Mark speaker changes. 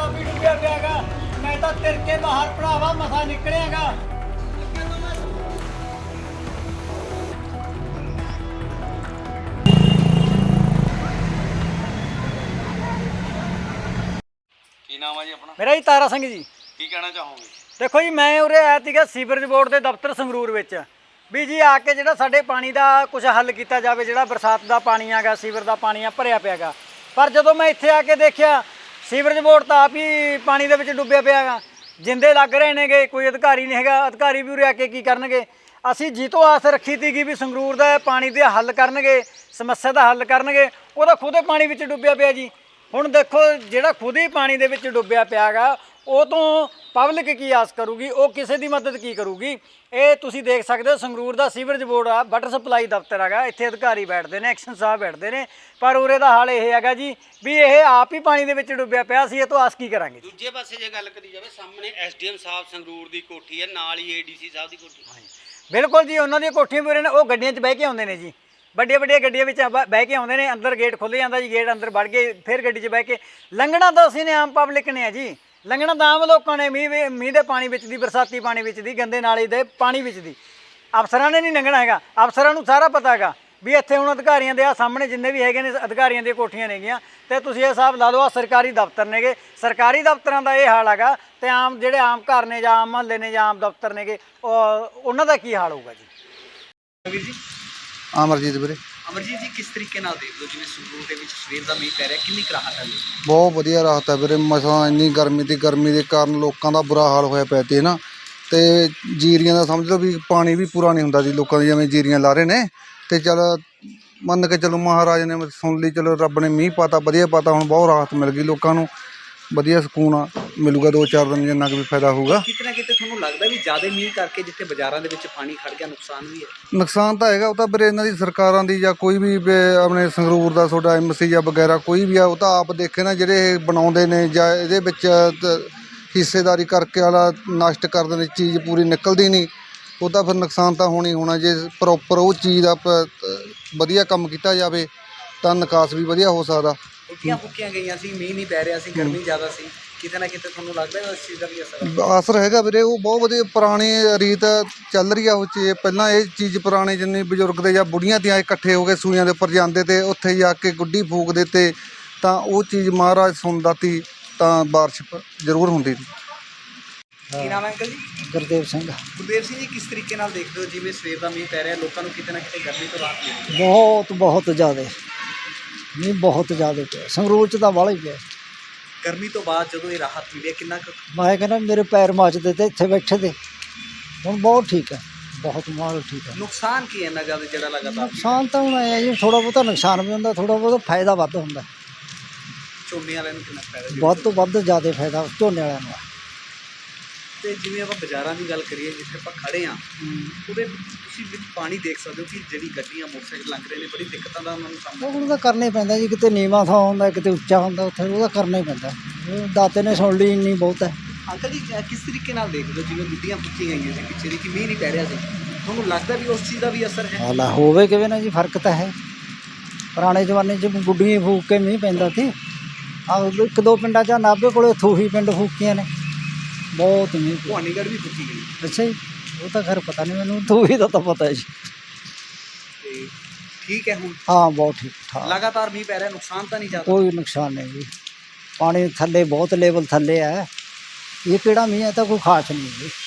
Speaker 1: ਵੀ ਡੁੱਬਿਆ ਪਿਆਗਾ। ਮੈਂ ਤਾਂ ਤਿਰ ਕੇ ਬਾਹਰ ਭਰਾਵਾ ਮਸਾ ਨਿਕਲਿਆਗਾ।
Speaker 2: ਕੀ ਨਾਮ ਹੈ ਜੀ ਆਪਣਾ?
Speaker 1: ਮੇਰਾ ਜੀ ਤਾਰਾ ਸਿੰਘ ਜੀ।
Speaker 2: ਕੀ ਕਹਿਣਾ ਚਾਹੋਗੇ?
Speaker 1: ਦੇਖੋ ਜੀ, ਮੈਂ ਉਰੇ ਆਇਆ ਸੀਗਾ ਸੀਵਰੇਜ ਬੋਰਡ ਦੇ ਦਫ਼ਤਰ ਸੰਗਰੂਰ ਵਿੱਚ ਵੀ ਜੀ ਆ ਕੇ ਜਿਹੜਾ ਸਾਡੇ ਪਾਣੀ ਦਾ ਕੁਝ ਹੱਲ ਕੀਤਾ ਜਾਵੇ। ਜਿਹੜਾ ਬਰਸਾਤ ਦਾ ਪਾਣੀ ਆਗਾ, ਸੀਵਰ ਦਾ ਪਾਣੀ ਆ ਭਰਿਆ ਪਿਆਗਾ। ਪਰ ਜਦੋਂ ਮੈਂ ਇੱਥੇ ਆ ਕੇ ਦੇਖਿਆ ਸੀਵਰੇਜ ਬੋਰਡ ਤਾਂ ਆਪ ਹੀ ਪਾਣੀ ਦੇ ਵਿੱਚ ਡੁੱਬਿਆ ਪਿਆਗਾ। ਜਿੰਦੇ ਲੱਗ ਰਹੇ ਨੇਗੇ, ਕੋਈ ਅਧਿਕਾਰੀ ਨਹੀਂ ਹੈਗਾ। ਅਧਿਕਾਰੀ ਵੀ ਉਰੇ ਆ ਕੇ ਕੀ ਕਰਨਗੇ? ਅਸੀਂ ਜਿੱਤੋਂ ਆਸ ਰੱਖੀ ਸੀਗੀ ਵੀ ਸੰਗਰੂਰ ਦਾ ਪਾਣੀ ਦੇ ਹੱਲ ਕਰਨਗੇ, ਸਮੱਸਿਆ ਦਾ ਹੱਲ ਕਰਨਗੇ, ਉਹਦਾ ਖੁਦ ਪਾਣੀ ਵਿੱਚ ਡੁੱਬਿਆ ਪਿਆ ਜੀ। ਹੁਣ ਦੇਖੋ, ਜਿਹੜਾ ਖੁਦ ਹੀ ਪਾਣੀ ਦੇ ਵਿੱਚ ਡੁੱਬਿਆ ਪਿਆਗਾ, ਉਹ ਤੋਂ ਪਬਲਿਕ ਕੀ ਆਸ ਕਰੂਗੀ? ਉਹ ਕਿਸੇ ਦੀ ਮਦਦ ਕੀ ਕਰੂਗੀ? ਇਹ ਤੁਸੀਂ ਦੇਖ ਸਕਦੇ ਹੋ, ਸੰਗਰੂਰ ਦਾ ਸੀਵਰੇਜ ਬੋਰਡ ਆ, ਵਾਟਰ ਸਪਲਾਈ ਦਫ਼ਤਰ ਹੈਗਾ। ਇੱਥੇ ਅਧਿਕਾਰੀ ਬੈਠਦੇ ਨੇ, ਐਕਸ਼ਨ ਸਾਹਿਬ ਬੈਠਦੇ ਨੇ, ਪਰ ਉਰੇ ਦਾ ਹਾਲ ਇਹ ਹੈਗਾ ਜੀ ਵੀ ਇਹ ਆਪ ਹੀ ਪਾਣੀ ਦੇ ਵਿੱਚ ਡੁੱਬਿਆ ਪਿਆ ਸੀ। ਇਹ ਤੋਂ ਆਸ ਕੀ ਕਰਾਂਗੇ?
Speaker 2: ਦੂਜੇ ਪਾਸੇ ਜੇ ਗੱਲ ਕਰੀ ਜਾਵੇ, ਸਾਹਮਣੇ ਐਸਡੀਐਮ ਸਾਹਿਬ ਸੰਗਰੂਰ ਦੀ ਕੋਠੀ ਹੈ, ਨਾਲ ਹੀ ਏਡੀਸੀ ਸਾਹਿਬ ਦੀ ਕੋਠੀ।
Speaker 1: ਬਿਲਕੁਲ ਜੀ, ਉਹਨਾਂ ਦੀਆਂ ਕੋਠੀਆਂ ਵੀ ਉਰੇ ਨੇ। ਉਹ ਗੱਡੀਆਂ 'ਚ ਬਹਿ ਕੇ ਆਉਂਦੇ ਨੇ ਜੀ, ਵੱਡੀਆਂ ਵੱਡੀਆਂ ਗੱਡੀਆਂ ਵਿੱਚ ਬਹਿ ਕੇ ਆਉਂਦੇ ਨੇ। ਅੰਦਰ ਗੇਟ ਖੁੱਲ੍ਹ ਜਾਂਦਾ ਜੀ, ਗੇਟ ਅੰਦਰ ਵੜ ਕੇ ਫਿਰ ਗੱਡੀ 'ਚ ਬਹਿ ਕੇ ਲੰਘਣਾ ਤਾਂ ਅਸੀਂ ਨੇ, ਆਮ ਪਬਲਿਕ ਨੇ ਆ ਜੀ। ਲੰਘਣਾ ਤਾਂ ਆਮ ਲੋਕਾਂ ਨੇ, ਮੀਂਹ ਦੇ ਪਾਣੀ ਵਿੱਚ ਦੀ, ਬਰਸਾਤੀ ਪਾਣੀ ਵਿੱਚ ਦੀ, ਗੰਦੇ ਨਾਲੇ ਦੇ ਪਾਣੀ ਵਿੱਚ ਦੀ। ਅਫਸਰਾਂ ਨੇ ਨਹੀਂ ਲੰਘਣਾ ਹੈਗਾ। ਅਫਸਰਾਂ ਨੂੰ ਸਾਰਾ ਪਤਾ ਹੈਗਾ ਵੀ ਇੱਥੇ ਹੁਣ ਅਧਿਕਾਰੀਆਂ ਦੇ ਆ ਸਾਹਮਣੇ ਜਿੰਨੇ ਵੀ ਹੈਗੇ ਨੇ ਅਧਿਕਾਰੀਆਂ ਦੀਆਂ ਕੋਠੀਆਂ ਨੇਗੀਆਂ। ਅਤੇ ਤੁਸੀਂ ਇਹ ਹਿਸਾਬ ਲਾ ਲਓ, ਆ ਸਰਕਾਰੀ ਦਫ਼ਤਰ ਨੇਗੇ। ਸਰਕਾਰੀ ਦਫ਼ਤਰਾਂ ਦਾ ਇਹ ਹਾਲ ਹੈਗਾ। ਅਤੇ ਆਮ ਜਿਹੜੇ ਆਮ ਘਰ ਨੇ ਜਾਂ ਆਮ ਮਹੱਲੇ ਨੇ ਜਾਂ ਆਮ ਦਫ਼ਤਰ ਨੇਗੇ, ਉਹਨਾਂ ਦਾ ਕੀ ਹਾਲ ਹੋਊਗਾ ਜੀ?
Speaker 2: ਵੀਰ ਜੀ,
Speaker 3: ਅਮਰਜੀਤ ਵੀਰੇ।
Speaker 2: ਅਮਰਜੀਤ ਜੀ, ਕਿਸ ਤਰੀਕੇ ਨਾਲ ਦੇਖਦੇ ਹੋ ਜਿਵੇਂ ਸੰਗਰੂਰ ਦੇ ਵਿੱਚ ਸਵੇਰ ਦਾ ਮੀਂਹ ਪੈ ਰਿਹਾ, ਕਿੰਨੀ ਕੁ ਰਾਹਤ ਹੈ?
Speaker 3: ਬਹੁਤ ਵਧੀਆ ਰਾਹਤ ਹੈ ਵੀਰੇ। ਮਸਾਂ ਇੰਨੀ ਗਰਮੀ ਦੇ ਕਾਰਨ ਲੋਕਾਂ ਦਾ ਬੁਰਾ ਹਾਲ ਹੋਇਆ ਪਿਆ ਤੇ ਨਾ, ਤੇ ਜੀਰੀਆਂ ਦਾ ਸਮਝ ਲਓ ਵੀ ਪਾਣੀ ਵੀ ਪੂਰਾ ਨਹੀਂ ਹੁੰਦਾ ਜੀ ਲੋਕਾਂ ਦੀ, ਜਿਵੇਂ ਜੀਰੀਆਂ ਲਾ ਰਹੇ ਨੇ। ਤੇ ਚੱਲ ਮੰਨ ਕੇ ਚਲੋ, ਮਹਾਰਾਜ ਨੇ ਸੁਣ ਲਈ, ਚਲੋ ਰੱਬ ਨੇ ਮੀਂਹ ਪਾਤਾ, ਵਧੀਆ ਪਾਤਾ। ਹੁਣ ਬਹੁਤ ਰਾਹਤ ਮਿਲ ਗਈ ਲੋਕਾਂ ਨੂੰ, ਵਧੀਆ ਸਕੂਨ ਮਿਲੂਗਾ 2-4 ਦਿਨ, ਜਿੰਨਾ ਕੁ ਵੀ ਫਾਇਦਾ ਹੋਊਗਾ।
Speaker 2: ਕਿਤੇ ਨਾ ਕਿਤੇ ਤੁਹਾਨੂੰ ਲੱਗਦਾ ਵੀ ਜ਼ਿਆਦਾ ਮੀਂਹ ਕਰਕੇ ਜਿੱਥੇ ਬਾਜ਼ਾਰਾਂ ਦੇ ਵਿੱਚ ਪਾਣੀ ਖੜ ਗਿਆ, ਨੁਕਸਾਨ ਵੀ ਹੈ?
Speaker 3: ਨੁਕਸਾਨ ਤਾਂ ਹੈਗਾ, ਉਹ ਤਾਂ ਵੀਰੇ ਇਹਨਾਂ ਦੀ ਸਰਕਾਰਾਂ ਦੀ ਜਾਂ ਕੋਈ ਵੀ ਆਪਣੇ ਸੰਗਰੂਰ ਦਾ ਤੁਹਾਡਾ ਐਮਸੀ ਜਾਂ ਵਗੈਰਾ ਕੋਈ ਵੀ ਆ, ਉਹ ਤਾਂ ਆਪ ਦੇਖੇ ਨਾ, ਜਿਹੜੇ ਇਹ ਬਣਾਉਂਦੇ ਨੇ ਜਾਂ ਇਹਦੇ ਵਿੱਚ ਹਿੱਸੇਦਾਰੀ ਕਰਕੇ ਵਾਲਾ ਨਸ਼ਟ ਕਰਦੇ ਨੇ, ਚੀਜ਼ ਪੂਰੀ ਨਿਕਲਦੀ ਨਹੀਂ। ਉਹ ਤਾਂ ਫਿਰ ਨੁਕਸਾਨ ਤਾਂ ਹੋਣੀ ਹੋਣਾ। ਜੇ ਪ੍ਰੋਪਰ ਉਹ ਚੀਜ਼ ਦਾ ਵਧੀਆ ਕੰਮ ਕੀਤਾ ਜਾਵੇ ਤਾਂ ਨਿਕਾਸ ਵੀ ਵਧੀਆ ਹੋ ਸਕਦਾ।
Speaker 2: ਉੱਠੀਆਂ ਫੁੱਕੀਆਂ ਗਈਆਂ ਸੀ, ਮੀਂਹ ਨਹੀਂ ਪੈ ਰਿਹਾ ਸੀ, ਗਰਮੀ ਜ਼ਿਆਦਾ ਸੀ, ਕਿਤੇ ਨਾ ਕਿਤੇ ਤੁਹਾਨੂੰ ਲੱਗਦਾ ਇਸ ਚੀਜ਼ ਦਾ ਵੀ ਅਸਰ?
Speaker 3: ਅਸਰ ਹੈਗਾ ਵੀਰੇ। ਉਹ ਬਹੁਤ ਵਧੀਆ ਪੁਰਾਣੀ ਰੀਤ ਚੱਲ ਰਹੀ ਆ ਉਹ ਚੀਜ਼। ਪਹਿਲਾਂ ਇਹ ਚੀਜ਼ ਪੁਰਾਣੇ ਜਿੰਨੇ ਬਜ਼ੁਰਗ ਦੇ ਜਾਂ ਬੁੜੀਆਂ ਤੇ ਇਕੱਠੇ ਹੋ ਕੇ ਸੂਈਆਂ ਦੇ ਉੱਪਰ ਜਾਂਦੇ ਤੇ ਉੱਥੇ ਜਾ ਕੇ ਗੁੱਡੀ ਫੂਕਦੇ ਤੇ, ਤਾਂ ਉਹ ਚੀਜ਼ ਮਹਾਰਾਜ ਸੁਣਦਾ ਤੀ, ਤਾਂ ਬਾਰਿਸ਼ ਜ਼ਰੂਰ ਹੁੰਦੀ ਸੀ।
Speaker 2: ਕੀ ਨਾਮ ਹੈ ਅੰਕਲ ਜੀ?
Speaker 1: ਗੁਰਦੇਵ ਸਿੰਘ।
Speaker 2: ਗੁਰਦੇਵ ਸਿੰਘ ਜੀ, ਕਿਸ ਤਰੀਕੇ ਨਾਲ ਦੇਖਦੇ ਹੋ ਜਿਵੇਂ ਸਵੇਰ ਦਾ ਮੀਂਹ ਪੈ ਰਿਹਾ, ਲੋਕਾਂ ਨੂੰ ਕਿਤੇ ਨਾ ਕਿਤੇ ਗਰਮੀ ਤੋਂ ਰਾਹਤ ਮਿਲੀ?
Speaker 1: ਬਹੁਤ ਜ਼ਿਆਦਾ ਮੀਂਹ, ਬਹੁਤ ਜ਼ਿਆਦਾ ਪਿਆ ਸੰਗਰੂਰ 'ਚ ਤਾਂ ਵਾਲਾ ਹੀ ਪਿਆ।
Speaker 2: ਗਰਮੀ ਤੋਂ ਬਾਅਦ ਜਦੋਂ ਇਹ ਰਾਹਤ ਮਿਲੀ, ਕਿੰਨਾ ਕੁ?
Speaker 1: ਮੈਂ ਕਹਿੰਦਾ ਮੇਰੇ ਪੈਰ ਮੱਚਦੇ ਤੇ ਇੱਥੇ ਬੈਠੇ ਤੇ। ਹੁਣ ਬਹੁਤ ਠੀਕ ਹੈ, ਬਹੁਤ ਮਾਹੌਲ ਠੀਕ ਹੈ।
Speaker 2: ਨੁਕਸਾਨ ਕੀ ਹੈ ਇੰਨਾ ਜ਼ਿਆਦਾ ਜਿਹੜਾ ਲਗਾਤਾਰ?
Speaker 1: ਨੁਕਸਾਨ ਤਾਂ ਹੁਣ ਆਇਆ ਜੀ, ਥੋੜ੍ਹਾ ਬਹੁਤਾ ਨੁਕਸਾਨ ਵੀ ਹੁੰਦਾ, ਥੋੜ੍ਹਾ ਬਹੁਤਾ ਫਾਇਦਾ ਵੱਧ ਹੁੰਦਾ।
Speaker 2: ਝੋਨੇ ਵਾਲਿਆਂ ਨੂੰ ਕਿੰਨਾ ਫਾਇਦਾ?
Speaker 1: ਵੱਧ ਤੋਂ ਵੱਧ ਜ਼ਿਆਦਾ ਫਾਇਦਾ ਝੋਨੇ ਵਾਲਿਆਂ ਨੂੰ।
Speaker 2: ਤੇ ਜਿਵੇਂ ਆਪਾਂ ਬਾਜ਼ਾਰਾਂ ਦੀ ਗੱਲ ਕਰੀਏ, ਜਿੱਥੇ ਆਪਾਂ ਖੜੇ ਹਾਂ, ਉਹਦੇ ਤੁਸੀਂ ਵਿੱਚ ਪਾਣੀ ਦੇਖ ਸਕਦੇ ਹੋ ਕਿ ਜਿਹੜੀ ਗੱਡੀਆਂ ਮੋਟਰਸਾਈਕਲ ਲੰਘ ਰਹੇ ਨੇ, ਬੜੀ ਦਿੱਕਤਾਂ ਦਾ ਉਹਨਾਂ ਨੂੰ ਸਾਹਮਣਾ।
Speaker 1: ਉਹਦਾ ਕਰਨਾ ਹੀ ਪੈਂਦਾ ਜੀ, ਕਿਤੇ ਨੀਵਾਂ ਥਾਂ ਹੁੰਦਾ, ਕਿਤੇ ਉੱਚਾ ਹੁੰਦਾ, ਉੱਥੇ ਉਹਦਾ ਕਰਨਾ ਹੀ ਪੈਂਦਾ। ਦਾਤੇ ਨੇ ਸੁਣ ਲਈ, ਇੰਨੀ ਬਹੁਤ ਹੈ।
Speaker 2: ਅੰਕਲ ਜੀ, ਕਿਸ ਤਰੀਕੇ ਨਾਲ ਦੇਖਦੇ ਹੋ ਜਿਵੇਂ ਗੁੱਡੀਆਂ ਫੁੱਕੀਆਂ ਗਈਆਂ ਸੀ ਪਿੱਛੇ ਦੀ, ਕਿ ਮੀਂਹ ਨਹੀਂ ਪੈ ਰਿਹਾ ਸੀ, ਤੁਹਾਨੂੰ ਲੱਗਦਾ ਵੀ ਉਸ ਚੀਜ਼ ਦਾ ਵੀ ਅਸਰ ਹੈ?
Speaker 1: ਹਾਲਾ ਹੋਵੇ ਕਿਵੇਂ ਨਾ ਜੀ, ਫਰਕ ਤਾਂ ਹੈ। ਪੁਰਾਣੇ ਜ਼ਮਾਨੇ 'ਚ ਗੁੱਡੀਆਂ ਫੂਕ ਕੇ ਮੀਂਹ ਪੈਂਦਾ ਸੀ। ਆਹ 1-2 ਪਿੰਡਾਂ 'ਚ ਨਾਭੇ ਕੋਲੇ ਥੂਹੀ ਪਿੰਡ ਫੂਕੀਆਂ ਨੇ, ਬਹੁਤ ਮੀਂਹ।
Speaker 2: ਭਵਾਨੀਗੜ੍ਹ ਵੀ ਫੁੱਕੀ ਗਈ?
Speaker 1: ਅੱਛਾ ਜੀ, ਉਹ ਤਾਂ ਖੈਰ ਪਤਾ ਨਹੀਂ ਮੈਨੂੰ, ਥੂਹੀ ਦਾ ਤਾਂ ਪਤਾ ਹੈ ਜੀ।
Speaker 2: ਤੇ ਠੀਕ ਹੈ ਹੁਣ?
Speaker 1: ਹਾਂ, ਬਹੁਤ ਠੀਕ ਠਾਕ।
Speaker 2: ਲਗਾਤਾਰ ਮੀਂਹ ਪੈ ਰਿਹਾ, ਨੁਕਸਾਨ ਤਾਂ ਨਹੀਂ ਜ਼ਿਆਦਾ?
Speaker 1: ਕੋਈ ਨੁਕਸਾਨ ਨਹੀਂ ਜੀ, ਪਾਣੀ ਥੱਲੇ ਬਹੁਤ ਲੈਵਲ ਥੱਲੇ ਹੈ। ਇਹ ਕਿਹੜਾ ਮੀਂਹ ਹੈ, ਤਾਂ ਕੋਈ ਖਾਸ ਨਹੀਂ ਜੀ।